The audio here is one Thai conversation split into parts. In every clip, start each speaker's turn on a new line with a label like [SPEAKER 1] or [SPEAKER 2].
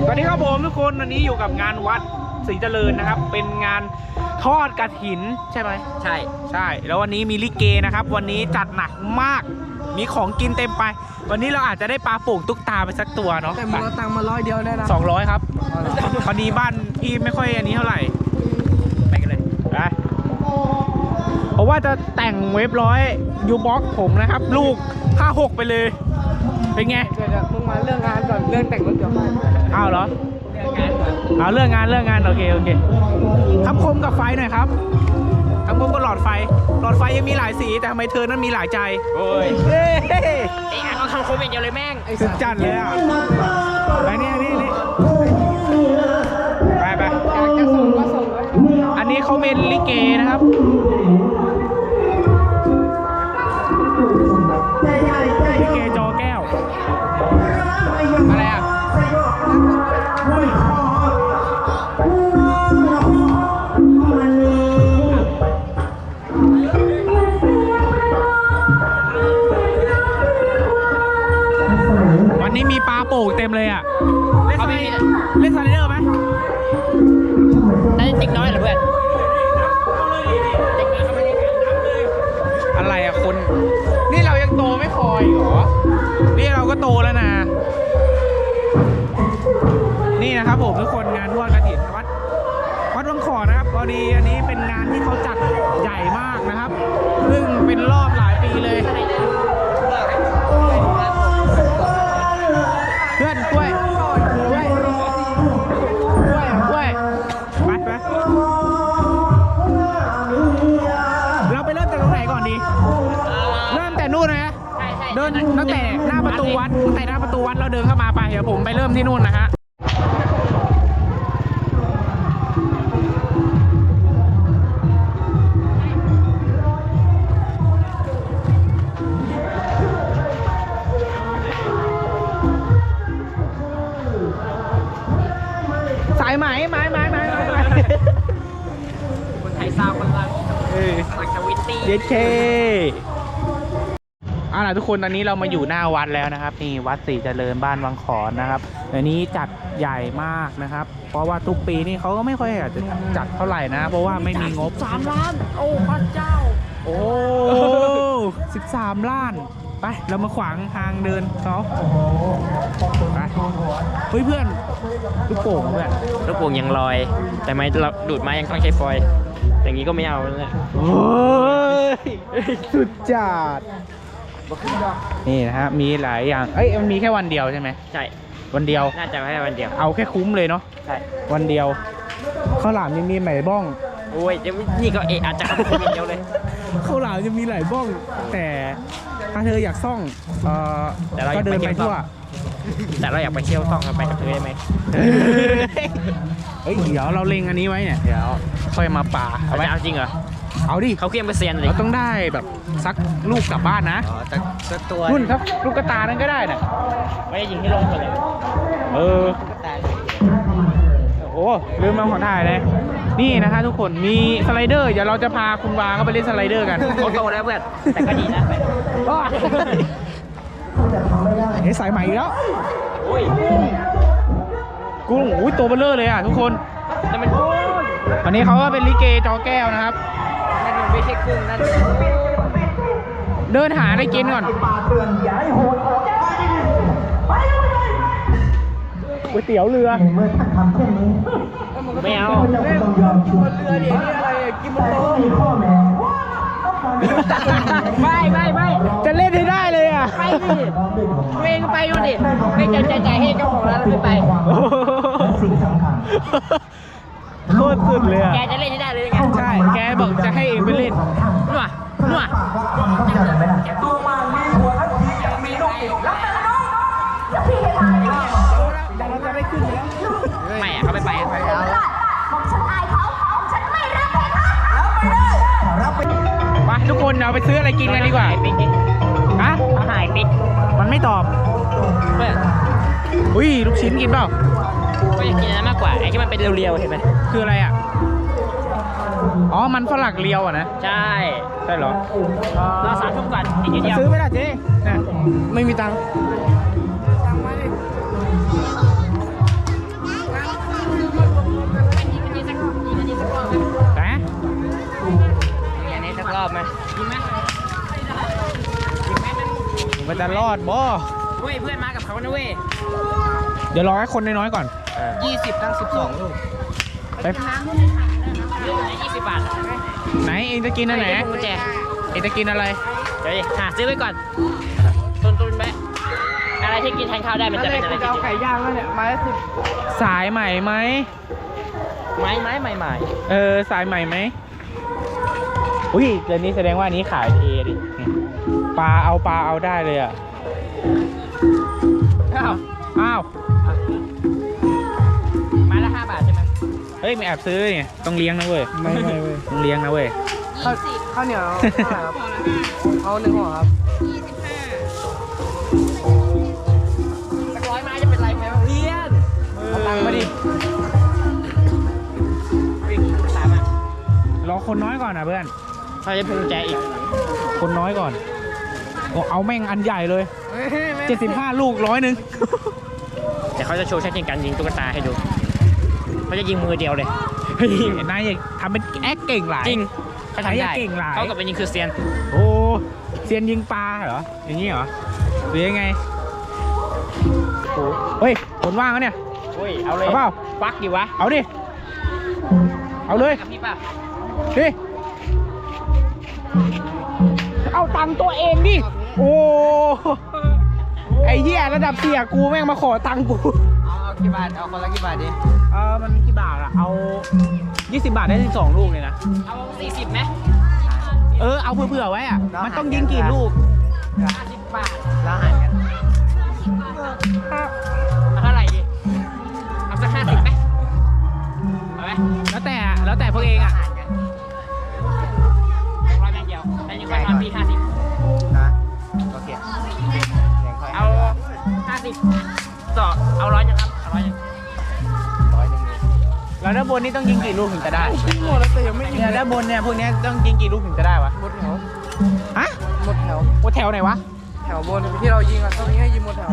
[SPEAKER 1] สวัสดีครับผมทุกคนวันนี้อยู่กับงานวัดศรีเจริญนะครับเป็นงานทอดกฐินใช่ไหม
[SPEAKER 2] ใช่
[SPEAKER 1] แล้ววันนี้มีลิเกนะครับวันนี้จัดหนักมากมีของกินเต็มไปวันนี้เราอาจจะได้ปลาโป่งตุ๊กตาไปสักตัวเนาะ
[SPEAKER 2] แต่มึงเอาตังค์มา100เดียวได้นะ
[SPEAKER 1] 200ครับพอดีบ้านพี่ไม่ค่อยอันนี้เท่าไหร่ไปกันเลยไปเพราะว่าจะแต่งเว็บ100ยูบ็อกผมนะครับลูก56ไปเลยเป็นไง
[SPEAKER 2] เดี๋ยวมึงมาเรื่องงานก่อนเรื่องแต่งรถเดี๋ยว
[SPEAKER 1] อ้าวเหรอเอาเรื่องงานโอเคคำคมกับไฟหน่อยครับคำคมกับหลอดไฟยังมีหลายสีแต่ทำไมเธอนั้นมีหลายใจโอ้ย
[SPEAKER 2] ไอ้เอาคำคมอย่างเดียวเลยแม่ง
[SPEAKER 1] สุดจัดเลยอ่ะไปนี่ไป
[SPEAKER 2] อยากจะส่งก็ส่ง
[SPEAKER 1] อันนี้เขาเป็นลิเกนะครับลิเกจอแก้วอะไรอ่ะวันนี้มีปลาโป่งเต็มเลยอ่ะเล่นสไลเดอร์ไหม
[SPEAKER 2] ได้ติ๊กน้อยเหรอเพื่อน
[SPEAKER 1] อะไรอ่ะคนนี่เรายังโตไม่พออีกเหรอนี่เราก็โตแล้วนะนี่นะครับผมทุกคนงานทอดกฐินวัดวังขอนะครับพอดีอันนี้เป็นงานที่เขาจัดใหญ่มากนะครับซึ่งเป็นรอบหลายปีเลยเพื่อนกล้วยไปเราไปเริ่มจากตรงไหนก่อนดีเริ่มแต่นู่นนะเดินตั้งแต่หน้าประตูวัดเราเดินเข้ามาไปเดี๋ยวผมไปเริ่มที่นู่นนะฮะสายไหม
[SPEAKER 2] คนไทยซาวคนรักสักวิตตี้
[SPEAKER 1] เย้เคล่ะทุกคนตอนนี้เรามาอยู่หน้าวัดแล้วนะครับนี่วัดศรีเจริญบ้านวังขอนนะครับอันนี้จัดใหญ่มากนะครับเพราะว่าทุกปีนี่เขาก็ไม่ค่อยอยากจะจัดเท่าไหร่นะเพราะว่าไม่มีงบ
[SPEAKER 2] 3 ล้านโอ้พระเจ้า
[SPEAKER 1] โอ้13 ล้านไปเรามาขวางทางเดินเขาไปเฮ้ยเพื่อนลูกโป่งเพื่อน
[SPEAKER 2] ลูกโป่งยังลอยแต่ไม้เราดูดไม้ยังต้องใช้ฟอยล์อย่างนี้ก็ไม่เอาเลย
[SPEAKER 1] โอ้ยสุดจัดนี่นะฮะมีหลายอย่างมันมีแค่วันเดียวใช่ไหม
[SPEAKER 2] ใช่
[SPEAKER 1] วันเดียว
[SPEAKER 2] น่าจะแค่วันเดียว
[SPEAKER 1] เอาแค่คุ้มเลยเนาะ
[SPEAKER 2] ใช่
[SPEAKER 1] วันเดียวข้าวหลามยังมีไหมบ้อง
[SPEAKER 2] โอ้ยนี่ก็อาจจะคุ้มเดียวเลย
[SPEAKER 1] ข้าวหลามจะมีหลายบ้องแต่ถ้าเธออยากซ่องก็เดินไปทั่ว
[SPEAKER 2] แต่เราอยากไปเที่ยวซ่องไปกับเธอได้ไหม
[SPEAKER 1] เดี๋ยวเราเล็งอันนี้ไว้เนี่ยเดี๋ยวค่อยมาป่า
[SPEAKER 2] เอาจริงเหรอ
[SPEAKER 1] เอาดิ
[SPEAKER 2] เขาเคี่ยมเปอร์เซ็นต์เลย
[SPEAKER 1] เราต้องได้แบบซักลูกกลับบ้านนะ
[SPEAKER 2] สักตัว
[SPEAKER 1] นุ่นครับลูกกระตานั้นก็ได้นะ
[SPEAKER 2] ไม่ได้ยิงให้ลงเลย
[SPEAKER 1] โอ้ลืมมาขอถ่ายเลยนี่นะคะทุกคนมีสไลเดอร์เดี๋ยวเราจะพาคุณวาเข้าไปเล่นสไลเดอร์กัน
[SPEAKER 2] เขาโตแล้วเพื่อนแต่ก็ดีนะ
[SPEAKER 1] สายใหม่แล้วกุ้งตัวเบลเลอร์เลยอ่ะทุกคน
[SPEAKER 2] แต่มัน
[SPEAKER 1] วันนี้เขาก็เป็นลิเกจอแก้วนะครับ
[SPEAKER 2] นั่นไม่ใช่กุ้งนั่น
[SPEAKER 1] เดินหาได้กินก่อนก๋วยเตี๋ยวเรือ
[SPEAKER 3] เมื่อท่านทำเช่นนี้
[SPEAKER 2] ไม่เอา
[SPEAKER 3] เจ้าต้องยอมช่วยเรือเดี๋ยวนี้อะไรกินมันโตมีข้อแม้
[SPEAKER 2] ไม่
[SPEAKER 1] จะเล่นให้ได้เลยอ่ะ
[SPEAKER 2] ไปดิเวงไปดูดิไม่ใจให้เจ้าของร้านเราไม่ไป
[SPEAKER 3] สิ่งสำคัญ
[SPEAKER 1] โคตรสุดเลยอ่ะ
[SPEAKER 2] แกจะเล่นให้ได้เลยไง
[SPEAKER 1] ใช่แกบอกจะให้เองไปเล่น
[SPEAKER 2] นัว
[SPEAKER 3] ตัวมันมีหัวทันทียังมีลูกอีกแล้วแต่น้องอย่าพี่ให้ตาย
[SPEAKER 1] เราจะได้ขึ้นแล้ว
[SPEAKER 2] ไม่เขาไม่ไป
[SPEAKER 3] ผมฉันอายเขาฉันไม่รักเลยค่ะรับไปเลย
[SPEAKER 1] ไปทุกคนเราไปซื้ออะไรกินกันดีกว่าฮะ
[SPEAKER 2] หายปิ๊ก
[SPEAKER 1] มันไม่ตอบอุ้ยลูกชิ้นกินเปล่า
[SPEAKER 2] ก็อยากกินนั้นมากกว่าไอ้ที่มันเป็นเรียวๆเห็นไหม
[SPEAKER 1] คืออะไรอ่ะมันฝรั่งเรียวอ่ะนะ
[SPEAKER 2] ใช่
[SPEAKER 1] เหรอ
[SPEAKER 2] รอ3 ทุ่มก่อนอีกนิดเดียว
[SPEAKER 1] ซื้อไม่ได้เจ๊ไม่มีตังค์จะรอดบ่
[SPEAKER 2] เว้ยเพื่อนมากับเขานะเว้ย
[SPEAKER 1] เดี๋ยวรอให้คนน้อยๆก่อน
[SPEAKER 2] 20ทั้ง12 ลูก
[SPEAKER 1] ไป
[SPEAKER 2] 20 บาท
[SPEAKER 1] ไหนเองจะกินอันไหน
[SPEAKER 2] กุญแจ
[SPEAKER 1] เองจะกินอะไร
[SPEAKER 2] เดี๋ยวหาซื้อไว้ก่อนตุนไหมอะไรที่กินแทนข้าวได้มันจะเป็นอะไรที่กิน
[SPEAKER 4] ไก่ย่างแล้วเนี่ยไม้ละ10
[SPEAKER 1] สายใหม่ไหม
[SPEAKER 2] ไม้ใหม่
[SPEAKER 1] สายใหม่ไหมอุ้ยเดี๋ยวนี้แสดงว่าอันนี้ขายเทดิเนี่ยปลาเอาได้เลยอ่ะ อ้าว
[SPEAKER 2] ไม้ละ5 บาทใช่ไหม
[SPEAKER 1] เฮ้ยไม่แอบซื้อเนี่ยต้องเลี้ยงนะเว้ย
[SPEAKER 4] ไม่เว้ย
[SPEAKER 1] ต้องเลี้ยงนะเว้ย
[SPEAKER 4] ข้าวเหนียวเท่าไหร่ครับ เอา1 ห่อครับ
[SPEAKER 2] สัก100 ไม้จะเป็นไรไหมเพื่อน
[SPEAKER 1] เอาตังค์มาดิ
[SPEAKER 2] วิ่งตามอ่ะ
[SPEAKER 1] รอคนน้อยก่อนนะเพื่อน
[SPEAKER 2] เขาจะพวงกุญแจอีก
[SPEAKER 1] คนน้อยก่อนโอ้เอาแม่งอันใหญ่เลย75 ลูก100
[SPEAKER 2] เดี๋ยวเขาจะโชว์เทคนิคการยิงตุ๊กตาให้ดูเขาจะยิงมือเดียวเลย
[SPEAKER 1] นายอย่าทำเป็นแอคเก่งหลาย
[SPEAKER 2] จริงเขาทำได้
[SPEAKER 1] เก่งหลาย
[SPEAKER 2] เขากับเป็นยิงคือเซียน
[SPEAKER 1] โอ้เซียนยิงปลาเหรอ อย่างนี้เหรอหรือยังไงโอ้เฮ้ยคนว่างแล้วเนี่ย
[SPEAKER 2] โอ้ยเอาเลย
[SPEAKER 1] เอาเปล่า
[SPEAKER 2] ฟักดิวะ
[SPEAKER 1] เอาดิ เอาเลย
[SPEAKER 2] กับพี่ป่ะ
[SPEAKER 1] ดิ เอาตังค์ตัวเองดิ โอ้ ไอ้เหี้ยระดับเสียกูแม่งมาขอตังค์กู
[SPEAKER 4] เอากี่บาท เอาคนละกี่บาทดิ
[SPEAKER 1] มันกี่บาทอะเอา 20 บาทได้12 ลูกเลยนะ
[SPEAKER 2] เอา40ไหม
[SPEAKER 1] เอาเผื่อๆไว้อะมันต้องยิงกี่ลูก
[SPEAKER 2] 50 บาท
[SPEAKER 4] แล้วหันกัน
[SPEAKER 2] เอาเท่าไหร่ดิเอาสัก50ไหมเอาไหม
[SPEAKER 1] แล้วแต่พวกเองอะ
[SPEAKER 2] 100 แบงค์เดียวแต่ยังไม่มาพี่50
[SPEAKER 4] นะโอเคยังค่อย
[SPEAKER 2] เอา50ต่อเอา100ยังครับเอา100ยัง
[SPEAKER 4] 100
[SPEAKER 1] แล้วด้านบนนี่ต้องยิงกี่ลูกถึงจะได้
[SPEAKER 4] หมดแล้วแต่ยังไม่ยิง
[SPEAKER 1] เนี่ยด้านบนเนี่ยพวกเนี้ยต้องยิงกี่ลูกถึงจะได้วะ
[SPEAKER 4] หมดแถว
[SPEAKER 1] ฮะ
[SPEAKER 4] หมดแถว
[SPEAKER 1] ว่าแถวไหนวะ
[SPEAKER 4] แถวบนที่เรายิงอ่ะต้องให้ยิงหมดแถว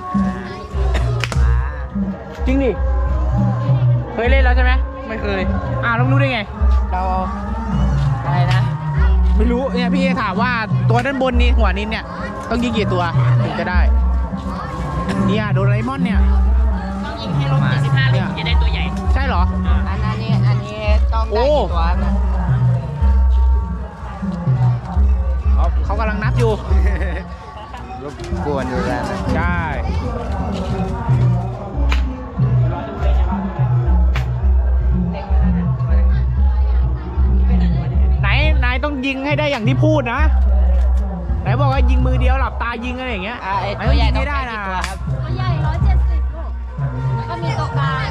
[SPEAKER 1] จริงดิ เคยเล่นแล้วใช่ไหม
[SPEAKER 4] ไม่เคย
[SPEAKER 1] แล้วรู้ได้ไง
[SPEAKER 4] เราเอา
[SPEAKER 1] อะไรนะ ไม่รู้เนี่ยพี่ถามว่าตัวด้านบนนี้หัวนี้เนี่ยต้องยิงกี่ตัวถึงจะได้ เนี่ยโดราเอมอนเนี่ย
[SPEAKER 2] ต้องยิงให้ลบ75ลูกจะได้ตัวใหญ่
[SPEAKER 1] ใช่เหรอ
[SPEAKER 4] อันนี้ต้องได้กี่ตัวนะ
[SPEAKER 1] เขากำลังนับอยู่
[SPEAKER 4] รบกวนอยู่แล้วนะ
[SPEAKER 1] ใช่ นายต้องยิงให้ได้อย่างที่พูดนะ ไหนบอกว่ายิงมือเดียวหลับตายิงอะไรอย่างเงี้ย
[SPEAKER 4] ไอ้
[SPEAKER 1] นาย
[SPEAKER 4] ตัวใหญ่
[SPEAKER 1] ยิง
[SPEAKER 4] ต้อง
[SPEAKER 1] ให้ได้
[SPEAKER 4] ได้
[SPEAKER 1] นะ
[SPEAKER 4] กี่ตัวครับ
[SPEAKER 3] ตัวใหญ่170 ลูก แล้วก็มีตัวกลาง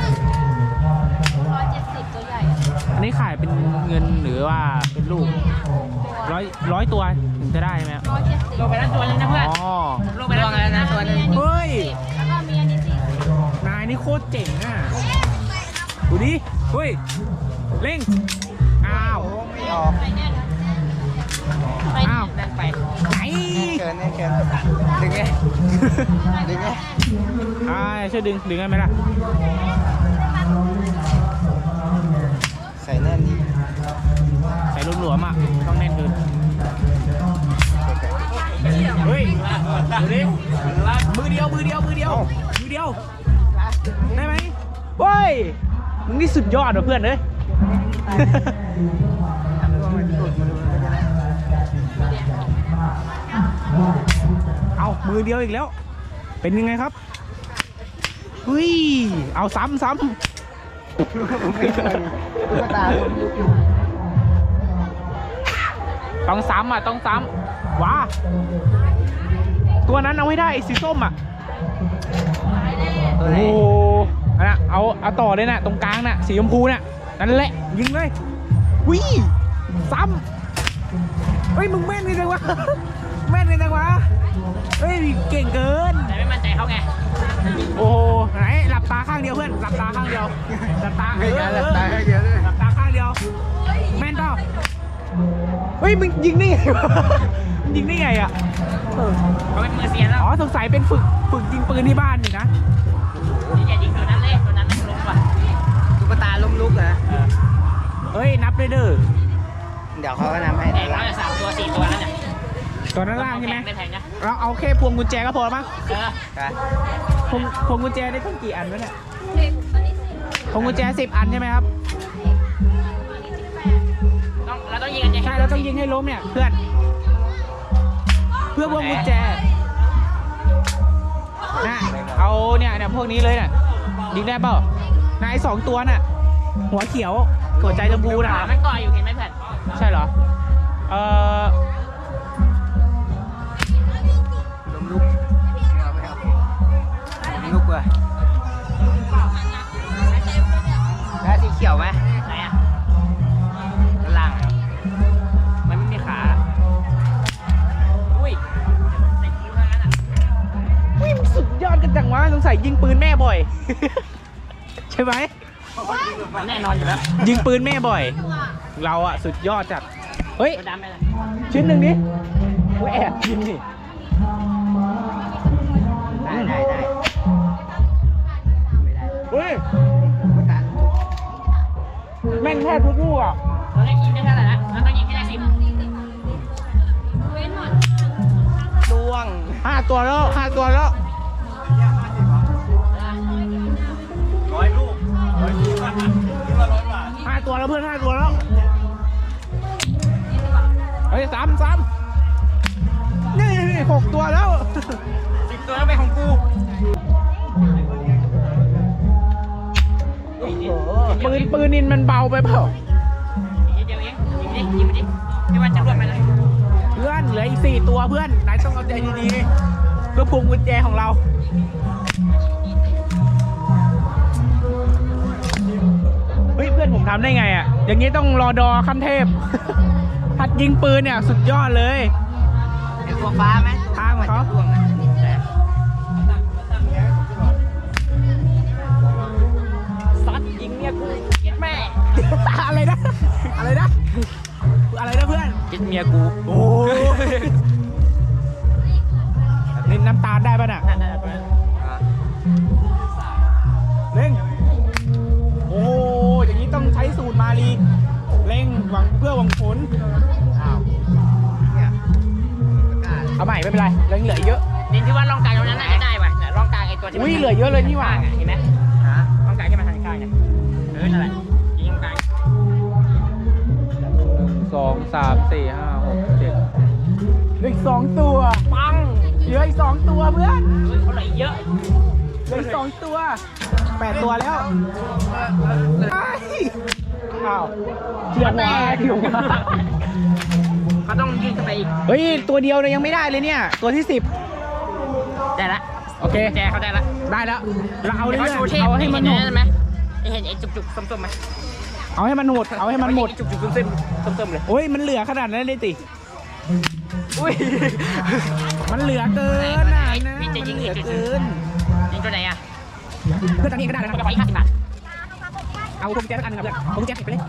[SPEAKER 3] 170 ตัวใหญ่อะ
[SPEAKER 1] อันนี้ขายเป็นเงินหรือว่าเป็นลูกร้อยตัวถึงจะได้ไหมครับ
[SPEAKER 2] ลงไปแล้วตัวนึงนะเพื่อน
[SPEAKER 1] อ๋อ
[SPEAKER 2] ลงไปแล้วนะตัวนึง
[SPEAKER 1] เฮ้ย
[SPEAKER 3] แล้วก็มีอันนี้40
[SPEAKER 1] นายนี่โคตรเจ๋งอ่ะ ดูดิ เฮ้ย เร่ง อ้าว
[SPEAKER 4] ไม่ออก
[SPEAKER 3] ไปแน่น
[SPEAKER 1] อ้าว
[SPEAKER 2] แน่นไป
[SPEAKER 1] ไหน
[SPEAKER 4] เกินแน่เกินดึงไงดึงไง
[SPEAKER 1] ช่วยดึงได้ไหมล่ะ
[SPEAKER 4] ใส่แน่นดี
[SPEAKER 1] ใส่หลวมๆอ่ะ ต้องแน่นขึ้นเฮ้ย ดูดิ มือเดียว ได้ไหมเฮ้ย มึงนี่สุดยอดว่ะเพื่อนเอ้ย เอามือเดียวอีกแล้ว เป็นยังไงครับเฮ้ย เอาซ้ำ
[SPEAKER 4] ตุ๊กตา
[SPEAKER 1] ต้องซ้ำอ่ะ ต้องซ้ำว้าตัวนั้นเอาให้ได้ไอ้สีส้มอ่ะ
[SPEAKER 4] ตัว
[SPEAKER 1] โอ้
[SPEAKER 4] ไหน
[SPEAKER 1] โหอันน่ะเอาต่อเลยน่ะ ตรงกลางน่ะ สีชมพูน่ะ นั่นแหละ ยิงเลยวิซ้ำเฮ้ย มึงแม่นเลยจังวะ แม่นเลยจังวะ เฮ้ย เก่งเกิน
[SPEAKER 2] แต่ไม่มั่นใจเขาไง
[SPEAKER 1] โอ้โหไหนหลับตาข้างเดียวเพื่อน หลับตาข้างเดียว หลับตา
[SPEAKER 4] ไม่งั้นตายให้เยอะเลย
[SPEAKER 1] หลับตาข้างเดียว แม่นเปล่าเฮ้ย มึงยิงได้ไงวะยิงได้ไงอ่ะ
[SPEAKER 2] เขาเป็นมือเซียนแล้ว
[SPEAKER 1] อ๋อ สงสัยเป็นฝึกยิงปืนที่บ้านนี่นะ
[SPEAKER 2] อย่ายิงตัวนั้นเลยตัวนั้นไม่ลงว่ะ
[SPEAKER 4] ตุ๊กตาล้มลุกเหรอ
[SPEAKER 1] เฮ้ย นับเลยเด้อ
[SPEAKER 4] เดี๋ยวเขาก็นำให้
[SPEAKER 2] แตกแล้วจะ3 ตัว 4 ตัวแล้วเนี่ย
[SPEAKER 1] ตัวนั้นล่างใช่ไหม
[SPEAKER 2] ไม่แพงนะ
[SPEAKER 1] เราเอาแค่พวงกุญแจก็พอมั้ง
[SPEAKER 2] เออ
[SPEAKER 1] พวงกุญแจได้ตั้งกี่อันวะเนี่ยพวงกุญแจ10 อันใช่ไหมครับ
[SPEAKER 2] เราต้องยิงกันยังไง
[SPEAKER 1] ใช่เราต้องยิงให้ล้มเนี่ยเพื่อน เพื่อพวงกุญแจนะเอาเนี่ยพวกนี้เลยน่ะยิงได้เปล่านาย2 ตัวน่ะหัวเขียวหัวใจชมพูน่ะ
[SPEAKER 2] ขามันก่ออยู่เห็นไหมเพื่อน
[SPEAKER 1] ใช่เหรอ
[SPEAKER 4] ลมลุกเอาไปครับลุกเลยแล้วสีเขียวไหม
[SPEAKER 2] ไหนอ่ะด้านล่างอะมันไม่มีขา อุ้ยใส่คิ้วเท่านั้นอ่ะ
[SPEAKER 1] วิ่งสุดยอดกันจังวะสงสัยยิงปืนแม่บ่อย ใช่ไหม
[SPEAKER 2] มันแน่นอนอยู่แล้ว
[SPEAKER 1] ยิงปืนแม่บ่อย เราอะสุดยอดจัดเฮ้ย
[SPEAKER 2] ตัวดำไปเลย
[SPEAKER 1] ชิ้นหนึ่งดิกูแอบยิงดิ
[SPEAKER 4] ได้ไม่ได้
[SPEAKER 1] เฮ้ยแม่งแทบทุกลูกอ่ะ
[SPEAKER 2] เราได้ยิงได้เท่าไหร่ละเราต้องยิงให้ได้10
[SPEAKER 4] ล่วง
[SPEAKER 1] 5 ตัวแล้ว5 ตัวแล้ว
[SPEAKER 4] 100 ลูก
[SPEAKER 1] 5 ตัวแล้วเพื่อน5 ตัวแล้วเฮ้ยซ้ำนี่6 ตัวแล้ว
[SPEAKER 2] 10 ตัวแล้วเป็นของกู
[SPEAKER 1] ปืนนินมันเบาไปเปล่า
[SPEAKER 2] ยิงเดียวเองยิงไปดิไม่ว่าจะร่วงไปเลย
[SPEAKER 1] เพื่อนเหลืออีก4 ตัวเพื่อนนายต้องเอาใจดีๆเพื่อพวงกุญแจของเราเฮ้ยเพื่อนผมทำได้ไงอ่ะอย่างนี้ต้องรอดอขั้นเทพ หัดยิงปืนเนี่ยสุดยอดเลย
[SPEAKER 4] เป็นตัวฟ้าไหม
[SPEAKER 1] ทางของเขา
[SPEAKER 4] ล่วงอ่ะ
[SPEAKER 2] ซัดยิงเนี่ยกูเก็ดแม่
[SPEAKER 1] อะไรนะอะไรนะเพื่อน
[SPEAKER 2] เก็ดเมียกู
[SPEAKER 1] โอ้นี่น้ำตาลได้ป่ะน่ะ
[SPEAKER 2] นั่น
[SPEAKER 1] เร่งโอ้อย่างนี้ต้องใช้สูตรมาลีเร่งหวังเพื่อหวังผล
[SPEAKER 4] อ้าวเนี่ยประกาศ
[SPEAKER 1] เอาใหม่ไม่เป็นไรเหลือเยอะ
[SPEAKER 2] ดินที่ว่าร่องกลางตรงนั้นน่าจะได้ว่ะเนี่ยร่องกลางไอ้ตัวที่
[SPEAKER 1] อุ้ยเหลือเยอะเลยนี่หว่า
[SPEAKER 2] ข้างอ่ะเห็นไหม
[SPEAKER 4] ฮะ
[SPEAKER 2] ร่องกลางที่มันทางข้างเนี่ยนั่นแหละยิงตรงกลาง
[SPEAKER 1] 2 3 4 5 6 7เหลืออีก2 ตัว
[SPEAKER 2] ปัง
[SPEAKER 1] เหลืออีก2 ตัวเพื่อน
[SPEAKER 2] เฮ้ยเขาไหลเยอะ
[SPEAKER 1] เหลืออีก2 ตัว8 ตัวแล้วอ้ายอ้าวเทียบว่า
[SPEAKER 2] เขาต้องยิงเข้าไปอีก
[SPEAKER 1] เฮ้ยตัวเดียวเนี่ยยังไม่ได้เลยเนี่ยตัวที่
[SPEAKER 2] ได้ละ
[SPEAKER 1] 10โอเค
[SPEAKER 2] แจเขาได้ละ
[SPEAKER 1] ได้แล้วเราเอาเรื่อย
[SPEAKER 2] เขาโชว์เท
[SPEAKER 1] ๆ
[SPEAKER 2] พ
[SPEAKER 1] เอาให้มันหมด
[SPEAKER 2] เห็นไหมเห็นไอ้จุกๆส้มๆไหม
[SPEAKER 1] เอาให้มันหมดเอาให้มันหมด
[SPEAKER 2] จุกๆส้มๆเลย
[SPEAKER 1] โอ้ยมันเหลือขนาดนั้นเลยติ
[SPEAKER 2] อุ้ย
[SPEAKER 1] มันเหลือเกินน่ะนะ
[SPEAKER 2] พี่จะยิง
[SPEAKER 1] มันเหลือ
[SPEAKER 2] จุด
[SPEAKER 1] เกิน
[SPEAKER 2] ยิงตัวไหนอ่ะ
[SPEAKER 1] เพื่อนทำเองก็ได้นะ
[SPEAKER 2] เขาจะขออีก50 บาท
[SPEAKER 1] เอาพวงกุญแจสักอันหนึงครับเพื่อนเอาพวงกุญแจติดไปเลย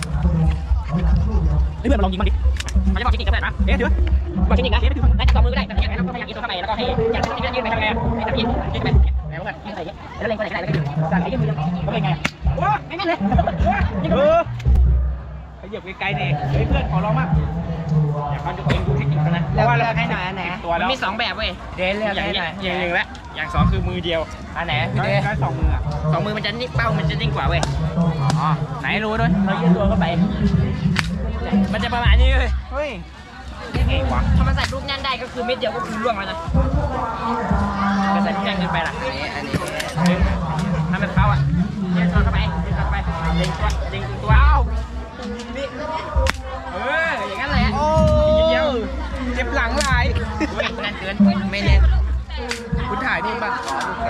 [SPEAKER 1] เฮ้ยเพื่อนมาลองยิงมันดิ
[SPEAKER 2] เขาจะบอกเทคนิคก็ได้นะ
[SPEAKER 1] เอ๊ะถือ
[SPEAKER 2] บอกเทคนิคนะได้2 มือก็ได้แต่อย่างนั้นเราก็พยายามยิงตัวเข้าไปแล้วก็ให้อย่างที่ยืนไปทำไงให้จับยิงไปแล้วก็ยิงใส่แล้วเล็งตัวไหนก็ได้แล้วก็ยิงสั่งให้ยืนมือเขาเป็นไงว้าไม่แม่นเลยยิง
[SPEAKER 1] ขยับไกลๆนี่เฮ้ยเพื่อนขอร้องมาก
[SPEAKER 2] เดี๋ยวเขาจะเองดูเทคนิคกันนะ
[SPEAKER 4] แล้วเลือกให้หน่อยอันไหน
[SPEAKER 1] ตัว
[SPEAKER 2] มัน
[SPEAKER 1] แล้ว
[SPEAKER 2] มี2 แบบเว้ย
[SPEAKER 4] เดนเลือก
[SPEAKER 2] อย่าง
[SPEAKER 4] ให้
[SPEAKER 2] นี้
[SPEAKER 4] หน่อย
[SPEAKER 2] อย่างหนึ่งและอย่าง2คือมือเดียว
[SPEAKER 4] อันไหนพี่เด
[SPEAKER 1] ได้2 มืออ่ะ
[SPEAKER 2] 2 มือมันจะนิ่งเป้ามันจะนิ่งกว่าเว้ย
[SPEAKER 1] อ๋อไหนรู้ด้วย
[SPEAKER 2] เรายืดตัวเข้าไป มันจะประมาณนี้เลย
[SPEAKER 1] เฮ้ย
[SPEAKER 2] ไงวะถ้ามันใส่ลูกแน่นได้ก็คือเม็ดเดียวก็คือล่วงแล้วนะจะใส่ลูกแน่นเกินไปล่ะ
[SPEAKER 4] อันนี้
[SPEAKER 2] ทำแบบเขาอ่ะยืดตัวเข้าไปยืดตัวเข้าไปเล็งตัวเล็งตัวอ้าวนี่อย่างนั้นแหละ
[SPEAKER 1] โอ้
[SPEAKER 2] เดียว
[SPEAKER 1] เจ็บหลังหลาย
[SPEAKER 2] เว้ยแน่นเกิน
[SPEAKER 4] ไม่เน้น
[SPEAKER 1] คุณถ่ายนี่ป่ะ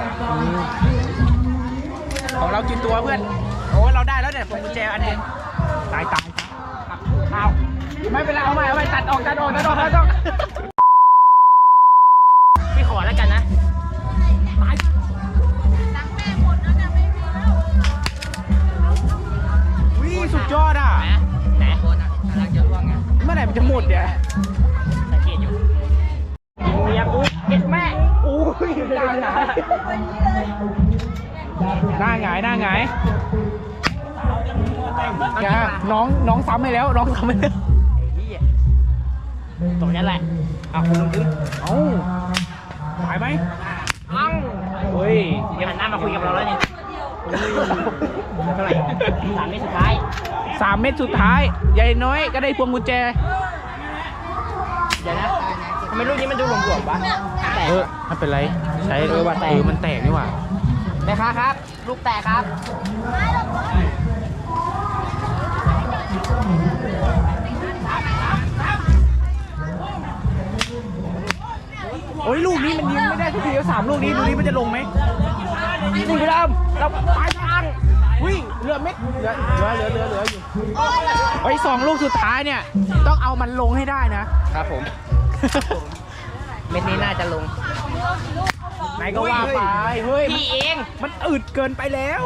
[SPEAKER 1] ของเรากี่ตัวเพื่อนโอ้เราได้แล้วเนี่ยพวงกุญแจอันเองตายเอาไม่เป็นไรเอาใหม่ตัดออก
[SPEAKER 2] พี่ขอแล้วกันนะ
[SPEAKER 1] วิสุดยอดอ่ะ
[SPEAKER 2] ไหน
[SPEAKER 4] คนอ่ะกำลังจะล่วงไง
[SPEAKER 1] เมื่อไหร่มันจะหมดเนี่ย
[SPEAKER 2] สังเกตอยู่ยิงเมียกูเย็ดแม่
[SPEAKER 1] อู้ยหน้าหงายแกน้องซ้ำไปแล้ว
[SPEAKER 2] ไอ้ที่ตรงนั้นแหละเอาคุณลุงดึง
[SPEAKER 1] เอ้าหายไหม
[SPEAKER 2] อัง
[SPEAKER 1] เฮ้ย
[SPEAKER 2] เดี๋ยวหันหน้ามาคุยกับเราแล้วเนี่ยเท่าไหร่3 เมตรสุดท้าย
[SPEAKER 1] 3 เม็ดสุดท้ายยายน้อยก็ได้พวงกุญแจ
[SPEAKER 2] เดี๋ยวนะทำไมลูกนี้มันดูหลวมๆวะแตก
[SPEAKER 1] ไม่เป็นไรใช้
[SPEAKER 2] ว่าแตก
[SPEAKER 1] มันแตกนี่หว่า
[SPEAKER 2] แม่ค้าครับ ลูกแตกครับ
[SPEAKER 1] โอ้ยลูกนี้มันยิงไม่ได้ทุกทีแล้ว3 ลูกนี้ดูนี้มันจะลงไหมนี่พี่ดำเราปลายทางวิ่งเหลือเม็ดเหลืออยู่ไอ้2 ลูกสุดท้ายเนี่ยต้องเอามันลงให้ได้นะครับ
[SPEAKER 2] ผม เม็ดนี้น่าจะลง
[SPEAKER 1] ไหนก็ว่าไปเฮ้ย
[SPEAKER 2] พี่เอง
[SPEAKER 1] มันอืดเกินไปแล้ว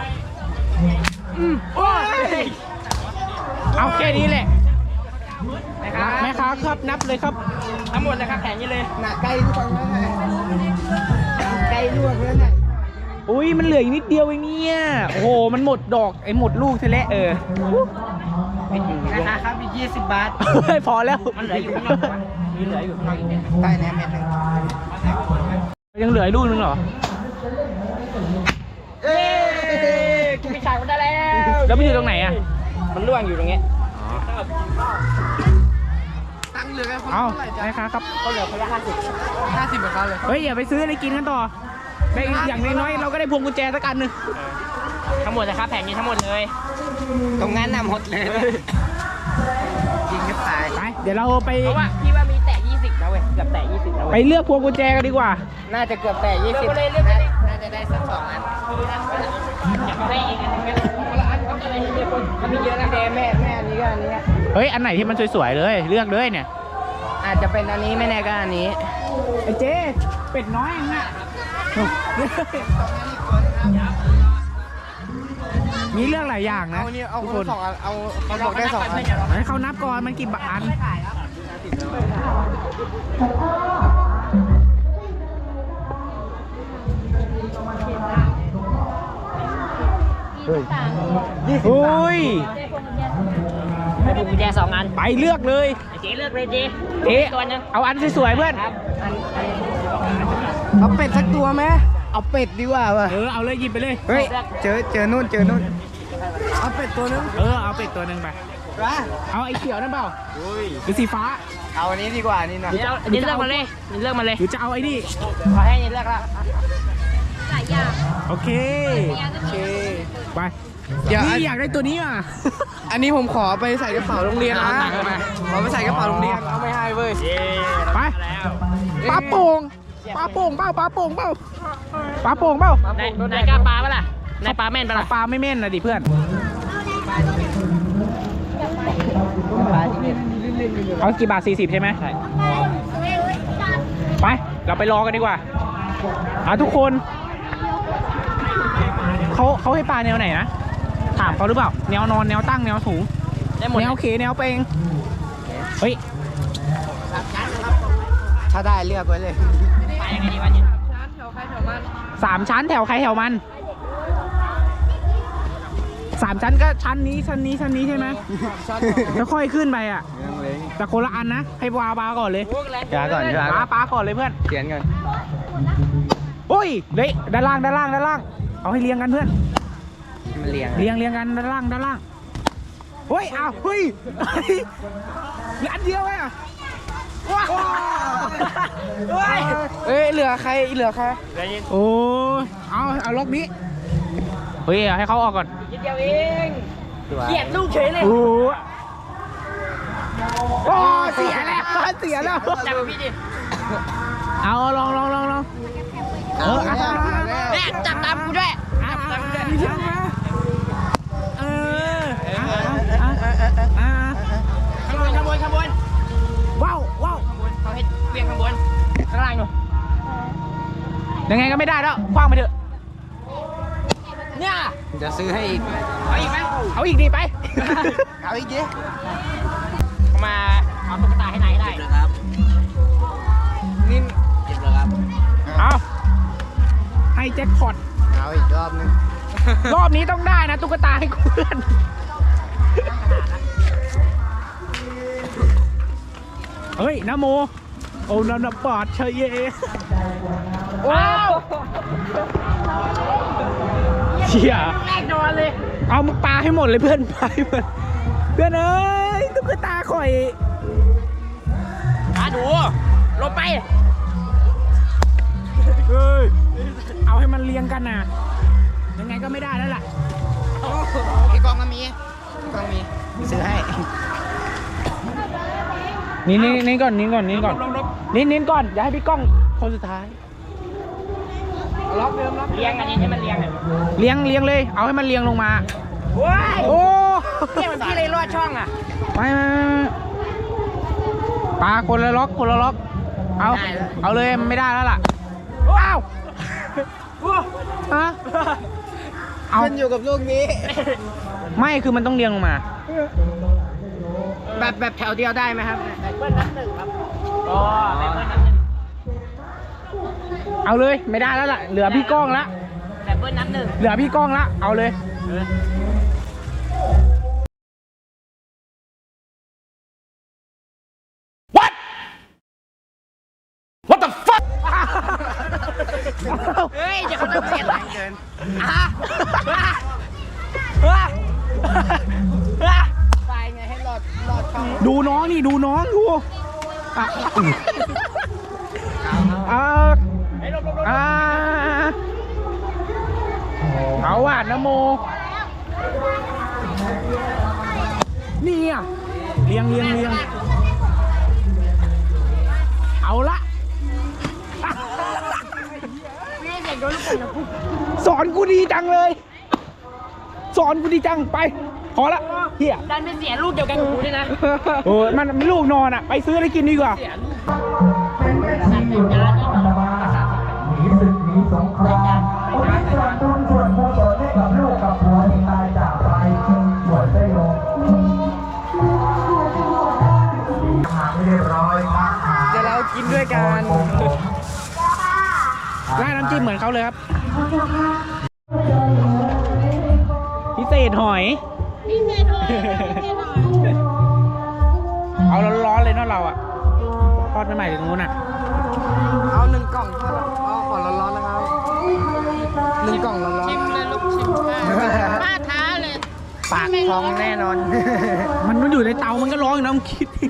[SPEAKER 1] โอ้ยเอาแค่นี้แหละแม่ค้าครับนับเลยครับ
[SPEAKER 2] ทั้งหมดเลยครับแผงนี้เลย
[SPEAKER 4] หนักไกลทุกคนแล้วไงไกลลวกแล้วไง
[SPEAKER 1] อุ้ยมันเหลืออีกนิดเดียวเองเนี่ยโอ้โหมันหมดดอกไอ้หมดลูกซะแล้ว
[SPEAKER 2] ราคาครับอีก20 บาท
[SPEAKER 1] เฮ้ยพอแล้ว
[SPEAKER 2] มันเหลืออยู่ข้างนอกวะมีเหลืออยู่ข้างนอกอีก
[SPEAKER 4] ใต้แหนมเม็ดหนึ่ง
[SPEAKER 1] ยังเหลืออีกลูกนึงเหรอ
[SPEAKER 2] เอ้ยกูมีฉากมันได้แล้ว
[SPEAKER 1] แล้วมันอยู่ตรงไหนอ่ะ
[SPEAKER 2] มันล่วงอยู่ตรงนี้
[SPEAKER 4] ตั้งเหลือกันคน
[SPEAKER 1] เอ้า
[SPEAKER 4] เท่าไหร่จ๊ะ
[SPEAKER 1] แม่ค้าครับ
[SPEAKER 2] ก็เหลือคนละ50
[SPEAKER 4] 50เหมือนกันเลย
[SPEAKER 1] เฮ้ยอย่าไปซื้ออะไรกินกันต่อได้อย่างน้อยๆเราก็ได้พวงกุญแจสักอันหนึ่ง
[SPEAKER 2] ทั้งหมดนะครับแผงนี้ทั้งหมดเลย
[SPEAKER 4] ตรงนั้นน่ะหมดเลยยิงก็ตาย
[SPEAKER 1] ไปเดี๋ยวเราไป
[SPEAKER 2] เพราะว่าพี่ว่ามีแตะ20นะเว้ยเกือบแตะ20นะ
[SPEAKER 1] ไป
[SPEAKER 2] เว้ย
[SPEAKER 1] เลือกพวงกุญแจกันดีกว่า
[SPEAKER 4] น่าจะเกือบแต่20
[SPEAKER 2] เลือกไปเลยเลือกไปเลย
[SPEAKER 4] น่าจะได้สัก2 อัน
[SPEAKER 2] อยากได้อีกอันหนึงไหมคนละอันเขาจะได้เยอะคนมันมีเยอะนะ
[SPEAKER 4] แม่อันนี้ก็อันนี้
[SPEAKER 1] เฮ้ยอันไหนที่มันสวยๆเลยเลือกเลยเนี่ย
[SPEAKER 4] อาจจะเป็นอันนี้ไม่แน่ก็อันนี้
[SPEAKER 1] ไอ้เจ๊เป็ดน้อยเองอะมีเรื่องหลายอย่างนะ
[SPEAKER 4] เอานี่เอา
[SPEAKER 1] ทุก
[SPEAKER 4] ค
[SPEAKER 1] คน น
[SPEAKER 4] 2 อันเอาเขาบอกได้2 อัน
[SPEAKER 1] ให้เขานับก่อนมันกี่บาทอันอุ้ย
[SPEAKER 2] ให้ผมกุญแจ2 อัน
[SPEAKER 1] ไปเลือกเลย
[SPEAKER 2] เจ๊เลือกเลยเจ๊
[SPEAKER 1] เจ๊
[SPEAKER 2] ตัวนึง
[SPEAKER 1] เอาอันสวยๆเพื่อน
[SPEAKER 2] ครับ
[SPEAKER 4] เอาเป็ดสักตัวไหมเอาเป็ดดีกว่าว่ะ
[SPEAKER 1] เอาเลยหยิบไปเลย
[SPEAKER 4] เฮ้ยเจอนู่นเอาเป็ดตัวนึง
[SPEAKER 1] เอาเป็ดตัวหนึ่งไป
[SPEAKER 4] ว้า
[SPEAKER 1] เอาไอ้เขียวนั่นเปล่าหรือสีฟ้า
[SPEAKER 4] เอาอันนี้ดีกว่านี่นะ
[SPEAKER 2] เดี๋ยวนี่เลือกมาเลยนี่เลือกมาเลย
[SPEAKER 1] หรือจะเอาไอ้นี่
[SPEAKER 2] ขอให้นี่เลือกละ
[SPEAKER 1] โอเค ไป
[SPEAKER 4] เดี๋ยว
[SPEAKER 1] นี่อยากได้ตัวนี้อ่ะ
[SPEAKER 4] อันนี้ผมขอไปใส่กระเป๋าโรงเรียนนะขอไปใส่กระเป๋าโรงเรียนเอาไม่ให้เว้ย
[SPEAKER 1] ไปปลาโป่งเปล่าปลาโป่งเปล่าปลาโป่งเปล่
[SPEAKER 2] นายกล้าปลาปะล่ะนายปลาแม่นปะล่ะ
[SPEAKER 1] ปลาไม่แม่นนะดิเพื่อนเอากี่บาท40ใช่ไหมใช่ไปเราไปรอกันดีกว่าทุกคนเขาให้ปลาแนวไหนนะถามเขาหรือเปล่าแนวนอนแนวตั้งแนวสูง
[SPEAKER 2] ได้หมด
[SPEAKER 1] แนวเขแนวเปงเฮ้ย
[SPEAKER 4] ถ้าได้เลือกไว้เลย
[SPEAKER 2] ปลายังไงดีวะเนี่ย
[SPEAKER 1] 3 ชั้นแถวใครแถวมัน3 ชั้นก็ชั้นนี้ใช่ไหมแล้วค่อยขึ้นไปอ่ะแต่คนละอันนะให้ปลาก่อนเลย
[SPEAKER 4] ปลาก่อน
[SPEAKER 1] ปลาก่อนเลยเพื่อน
[SPEAKER 4] เขียนก่อน
[SPEAKER 1] โอ้ยเละด้านล่างเอาให้เรียงกันเพื่อน
[SPEAKER 4] มันเรียง
[SPEAKER 1] เรียงกันด้านล่างเฮ้ยอ้าวเฮ้ยเหลืออันเดียวอ่ะว้าวเฮ้ยเหลือใครโอ้เอาล็อกนี้เฮ้ยให้เขาออกก่อน
[SPEAKER 2] นิดเดียวเองเกลียดลูกเฉยเลย
[SPEAKER 1] โอ้เสียแล้ว
[SPEAKER 2] จับพี่ดิ
[SPEAKER 1] เอาลอง
[SPEAKER 2] แม่จับตามกูด้วยจับตามกูด้วยข้างบน
[SPEAKER 1] ว้าว
[SPEAKER 2] เขาให้เวียงข้างบนข้างล่างหนู
[SPEAKER 1] ยังไงก็ไม่ได้แล้วคว้างไปเถอะ
[SPEAKER 2] เนี่ย
[SPEAKER 4] จะซื้อให้อีก
[SPEAKER 2] เอาอีกไหม
[SPEAKER 1] เอาอีกดีไป
[SPEAKER 4] เอาอีกดิ
[SPEAKER 2] มาเอาตุ๊กตาให้นายได้
[SPEAKER 4] นี่เก็บแล้วครับ
[SPEAKER 1] เอาให้แจ็คพอต
[SPEAKER 4] เอาอีกรอบนึง
[SPEAKER 1] รอบนี้ต้องได้นะตุ๊กตาให้เพื่อนเฮ้ยนะโมโอ้นันบาดเชยเยว้าวเชี่ย
[SPEAKER 2] แรกนอนเลย
[SPEAKER 1] เอามึงปาให้หมดเลยเพื่อนปาให้หมดเพื่อนเอ้ยตุ๊กตาข่อย
[SPEAKER 2] ดูลงไป
[SPEAKER 1] เอ้ยเอาให้มันเรียงกันนะยังไงก็ไม่ได้แล้วล่ะ
[SPEAKER 4] พี่กองก็มีซื้อให้
[SPEAKER 1] นี่ก่อนนี่ก่อนก่อนอย่าให้พี่ก้องคนสุดท้าย
[SPEAKER 4] ล็อกเดิมล็อก
[SPEAKER 2] เลี้ยงอันนี้ให้มันเลี้ยง
[SPEAKER 1] เลี้ยงเลยเอาให้มันเลี้ยงลงมา
[SPEAKER 2] ว้าย
[SPEAKER 1] โอ้
[SPEAKER 2] เลี้ยงพี่เลยรอดช่องอ่ะ
[SPEAKER 1] ไม่ปลาคนละล็อกเอาเลยไม่ได้แล้วล่ะว้าวฮะเอา
[SPEAKER 4] มันอยู่กับลูกนี้
[SPEAKER 1] ไม่คือมันต้องเลี้ยงลงมา
[SPEAKER 4] แบบแถวเดียวได้ไหมครับ
[SPEAKER 2] เบิ้ลนับหนึ่งครับอ๋อเบิ้ลนับหนึ่ง
[SPEAKER 1] เอาเลยไม่ได้แล้วล่ะเหลือพี่ก้องละ
[SPEAKER 2] แบบเบิ้ลนับหนึ่ง
[SPEAKER 1] เหลือพี่ก้องละเอาเลย
[SPEAKER 2] เฮ้ยจะเขาต้องเสียหลังเกินไปไงให้รอดช่อง
[SPEAKER 1] ดูน้องนี่ดูน้องดูอ่ะเอาว่ะนะโมนี่อ่ะเลี้ยงเอาละสอนกูดีจังเลยสอนกูดีจังไปพอละเฮีย
[SPEAKER 2] ดันไปเสียลูกเดียวกันกับกูด้วยนะ
[SPEAKER 1] โอ้ยมันลูกนอนอ่ะไปซื้ออะไรกินดีกว่า
[SPEAKER 3] หนีศึกหนีสงครามอุทิศส่วนบุญส่วนกุศลให้กับลูกกับผัวที่ตายจากไปบวชได้ลงหาไม่เรียบร้อยมาหา
[SPEAKER 4] เดี๋ยวเรากินด้วยกัน
[SPEAKER 1] ร้านน้ำจิ้มเหมือนเขาเลยครับพิเศษหอยเอาร้อนๆเลยเนาะเราอ่ะทอดใหม่ๆถึงนู้นอ่ะ
[SPEAKER 4] เอา1 กล่องทอดเอาขอร้อนๆนะครับ1 กล่องร้อนๆ
[SPEAKER 2] ชิมเลยลูกชิมป้าท้าเลย
[SPEAKER 4] ปากพองแน่นอน
[SPEAKER 1] มันอยู่ในเตามันก็ร้องอยู่นะมึงคิดดิ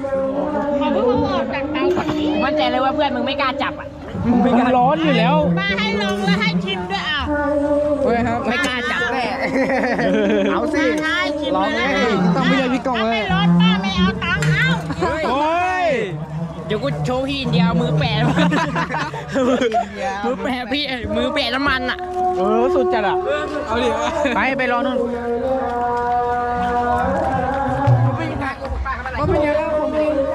[SPEAKER 2] มั่นใจเลยว่าเพื่อนมึงไม่กล้าจับอ่ะ
[SPEAKER 1] มันร้อนอยู่แล้ว
[SPEAKER 2] ป้าให้ลงแล้วให้ชิมด้วยอ่ะ
[SPEAKER 4] เฮ้ยครับ
[SPEAKER 2] ไม่กล้าจับแน่
[SPEAKER 4] เอาสิ
[SPEAKER 2] ให้ชิม
[SPEAKER 4] ลอง
[SPEAKER 2] เลย
[SPEAKER 4] เลยต้องไม่เลยพี่กล่องเลย
[SPEAKER 2] รถป้าไม่เอาตังค์เอา
[SPEAKER 1] โอ้ย
[SPEAKER 2] เดี๋ยวกูโชว์พี่อินเดียมือแปะมือแปะพี่มือแปะน้ำมันอ่ะ
[SPEAKER 1] สุดจัดอ่ะ
[SPEAKER 4] เอาดิ
[SPEAKER 1] ไปรอนู่น
[SPEAKER 4] ก็เป็นอย่างนั้นผมเอง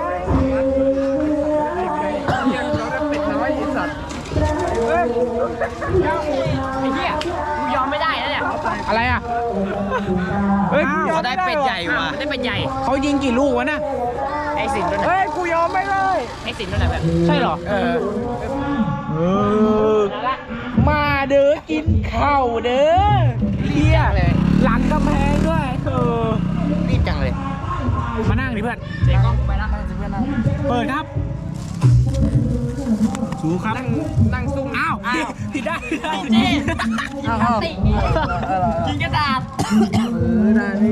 [SPEAKER 4] เป็ดน้อยไอ้สัตว์
[SPEAKER 2] ไอ้เหี้ยกูยอมไม่ได้แล้วเนี่ย
[SPEAKER 1] อะไรอ่ะเฮ้ย
[SPEAKER 2] เขาได้เป็ดใหญ่ว่ะได้เป็ดใหญ่
[SPEAKER 1] เขายิงกี่ลูกวะน่ะ
[SPEAKER 2] ไอ้สินด้วยนะ
[SPEAKER 4] เฮ้ยกูยอมไม่เลย
[SPEAKER 2] ไอ้สินด้วยนะแบบ
[SPEAKER 1] ใช่เหรอมาเด้อกินข้าวเด้อเฮียหลังกำแพงด้วย
[SPEAKER 4] รีบจังเลย
[SPEAKER 1] มานั่งดิเพื่อน
[SPEAKER 2] เจ๊กล้องไปแล้ว
[SPEAKER 1] เปิดครับสูครับ
[SPEAKER 4] นั่งซุ่ม
[SPEAKER 1] อ้าวผิดได้
[SPEAKER 2] เจ๊
[SPEAKER 4] อ้าว
[SPEAKER 2] ติกินกระดาษ
[SPEAKER 4] ได้นี่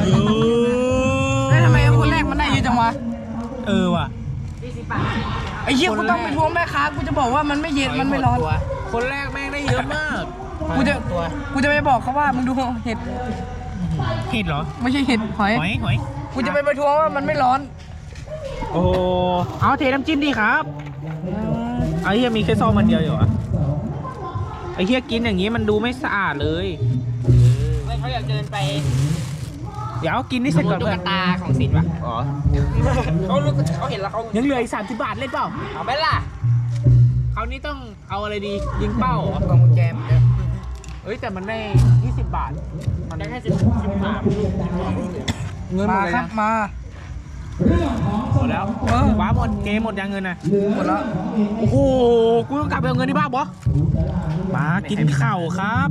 [SPEAKER 4] ทำไมคนแรกมันได้เยอะจังวะ
[SPEAKER 1] ว่ะ
[SPEAKER 2] 40 บาท
[SPEAKER 4] ไอ้เหี้ยกูต้องไปทวงแม่ค้ากูจะบอกว่ามันไม่เย็นมันไม่ร้อน
[SPEAKER 1] คนแรกแม่งได้เยอะมาก
[SPEAKER 4] กูจะไปบอกเขาว่ามึงดูเห็ด
[SPEAKER 1] เห็ดเหรอ
[SPEAKER 4] ไม่ใช่เห็ดหอย
[SPEAKER 1] หอย
[SPEAKER 4] กูจะไปประท้วงว่ามันไม่ร้อน
[SPEAKER 1] โอ้เอาเทน้ำจิ้มดีครับไอ้เฮียมีแค่ซองมันเดียวอยู่อะไอ้เฮียกินอย่างงี้มันดูไม่สะอาดเลย
[SPEAKER 2] เขาอยากเดินไป
[SPEAKER 1] เดี๋ยวกินนี่เสร็จก่อน
[SPEAKER 2] ตุ๊
[SPEAKER 1] เพื่
[SPEAKER 2] ก
[SPEAKER 1] อน
[SPEAKER 2] ตาของสินว่ะอ๋อเขาเห็นแล้วเขา
[SPEAKER 1] ยังเหลืออีก30 บาทเล่นเปล่า
[SPEAKER 2] เอาไปล่ะ
[SPEAKER 1] คราวนี้ต้องเอาอะไรดียิงเป้าเหรอก
[SPEAKER 4] ล่องกุญแจมเยอะ
[SPEAKER 1] เอ้ยแต่มันได้20 บาท มัน
[SPEAKER 2] ได้
[SPEAKER 1] ได้
[SPEAKER 2] แค่13
[SPEAKER 1] เงินหม
[SPEAKER 4] มา
[SPEAKER 1] ดเลย
[SPEAKER 4] ครับ
[SPEAKER 1] นะ
[SPEAKER 4] มา
[SPEAKER 1] หมดแล้วว้าหมดเกมหมดยังเงินนะ
[SPEAKER 4] หมดแล้ว
[SPEAKER 1] โอ้โหกูต้องกลับไปเอาเงินที่บ้านบอมากินข้าวครับ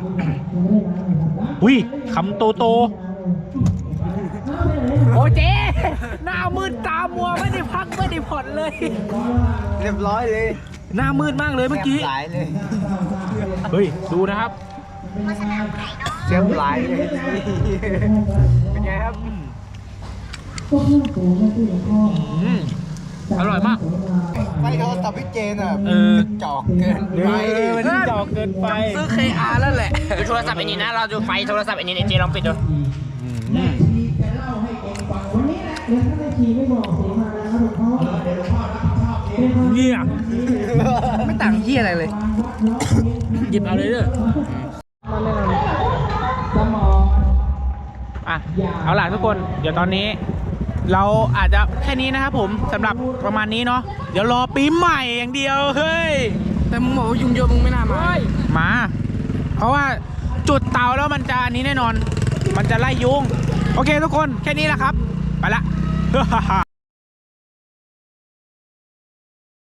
[SPEAKER 1] อุ้ยคำโตโอ้เจ๊หน้ามืดตามัวไม่ได้พักไม่ได้ผ่อนเลย
[SPEAKER 4] เรียบร้อยเลย
[SPEAKER 1] หน้ามืดมากเลยเมื่อกี้
[SPEAKER 4] หลายเลย
[SPEAKER 1] เฮ้ยดูนะครับ
[SPEAKER 4] เสียบหลายเลยเป็นไงครับ
[SPEAKER 1] อร่อยมาก
[SPEAKER 4] ไฟโทรศัพท์พี่เจนอ่ะ จอกเกิน
[SPEAKER 1] เอ
[SPEAKER 4] ไป
[SPEAKER 1] อมันจอกเกินไป
[SPEAKER 4] ซื้อ KR แล้วแหละ
[SPEAKER 2] ดูโทรศัพท์ไอ้นี่นะ เราดูไฟโทรศัพท์ไอ้นี่เจลองปิดดู
[SPEAKER 1] เนี่ย
[SPEAKER 4] ไม่ต่างเฮียอะไรเลย
[SPEAKER 1] หยิบเอาเลยเด้ออ่ะเอาล่ะทุกคน เดี๋ยวตอนนี้ เราอาจจะแค่นี้นะครับผมสำหรับประมาณนี้เนาะเดี๋ยวรอปีใหม่อย่างเดียวเฮ้ย
[SPEAKER 4] แต่มึงบอกว่ายุงเยอะมึงไม่น่ามา
[SPEAKER 1] มา เพราะว่าจุดเตาแล้วมันจะอันนี้แน่นอน มันจะไล่ยุง โอเคทุกคนแค่นี้แหละครับ ไปละ